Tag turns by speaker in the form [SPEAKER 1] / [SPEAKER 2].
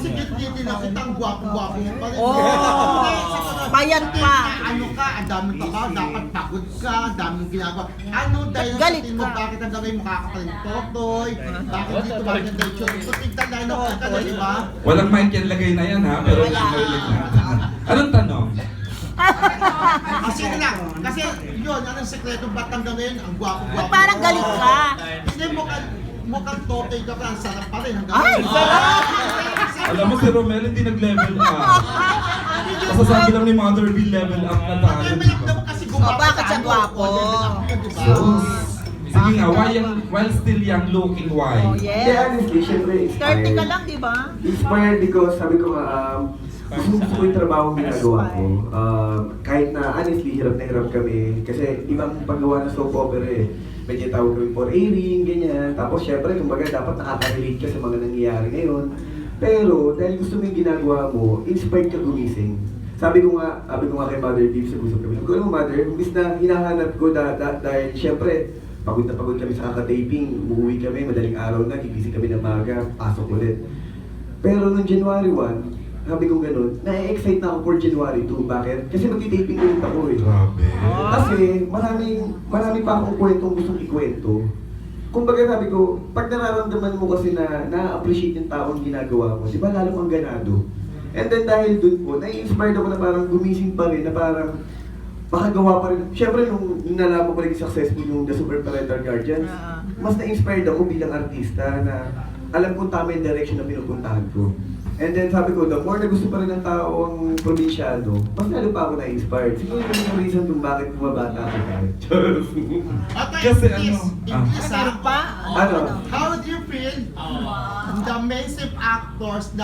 [SPEAKER 1] si Gitgiti nakita ang gwapo-gwapo mo pa rin.
[SPEAKER 2] Oh, bayan pa.
[SPEAKER 1] Ano ka, ang daming trabaho, dapat pagod ka, ang daming ginagawa. Ano dahil
[SPEAKER 2] Galit
[SPEAKER 1] sa mo,
[SPEAKER 2] ka.
[SPEAKER 1] bakit hanggang ngayon makakataling totoy? Bakit dito maganda yung show? So, tignan na ka na, di ba?
[SPEAKER 3] Walang mic yan lagay na yan ha, pero nakahilig na. Anong tanong?
[SPEAKER 1] Kasi lang, kasi yun, anong sekreto ba't hanggang ngayon, ang gwapo-gwapo.
[SPEAKER 2] Parang galit ka.
[SPEAKER 1] Hindi mukhang totoy ka pa, ang sarap pa rin hanggang
[SPEAKER 2] Ay,
[SPEAKER 1] ngayon.
[SPEAKER 2] sarap!
[SPEAKER 3] Alam mo si Romel hindi nag-level up. Masasabi lang ni Mother B level up na tayo.
[SPEAKER 1] Level up naman kasi gumawa
[SPEAKER 2] Oh, bakit siya
[SPEAKER 1] tayo.
[SPEAKER 2] gwapo?
[SPEAKER 1] Level up yun, di ba?
[SPEAKER 3] Sige nga, while still young looking, why?
[SPEAKER 2] Oh,
[SPEAKER 4] Hindi,
[SPEAKER 2] yes.
[SPEAKER 4] honestly, syempre
[SPEAKER 2] 30 ka lang, di ba?
[SPEAKER 4] Inspired because sabi ko nga, gusto ko yung trabaho ginagawa ko. Kahit na honestly, hirap na hirap kami. Kasi ibang paggawa ng soap opera eh. Medyo tawag kami for airing, ganyan. Tapos syempre, kumbaga dapat nakaka-relate ka sa mga nangyayari ngayon. Pero dahil gusto mo yung ginagawa mo, inspired ka gumising. Sabi ko nga kay Mother Beef sa gusto kami. Sabi ko, alam mo Mother, imbis na hinahanap ko dahil syempre, pagod na pagod kami sa kaka-taping, umuwi kami, madaling araw na, gigising kami ng maga, pasok ulit. Pero noong January 1, sabi ko ganun, na-excite na ako for January 2. Bakit? Kasi magti-taping ulit ako eh.
[SPEAKER 3] Grabe.
[SPEAKER 4] Kasi marami pa akong kwentong gustong ikwento. Kumbaga sabi ko, pag nararamdaman mo kasi na na-appreciate yung taong ginagawa mo, di ba lalo kang ganado? And then dahil dun po, na-inspired ako na parang gumising pa rin, na parang makagawa pa rin. Siyempre, nung nalaman ko naging successful yung The Super Parental Guardians, mas na-inspired ako bilang artista na alam kong tama yung direction na pinupuntahan ko. And then sabi ko, the more na gusto pa rin ng tao ang probinsyano, mas lalo pa ako na-inspired. Siguro yun yung reason kung bakit bumabata ako kahit.
[SPEAKER 1] Okay,
[SPEAKER 3] Kasi
[SPEAKER 1] please,
[SPEAKER 3] ano,
[SPEAKER 1] English,
[SPEAKER 2] Meron pa?
[SPEAKER 4] Ano?
[SPEAKER 1] How do you feel the mainstream actors na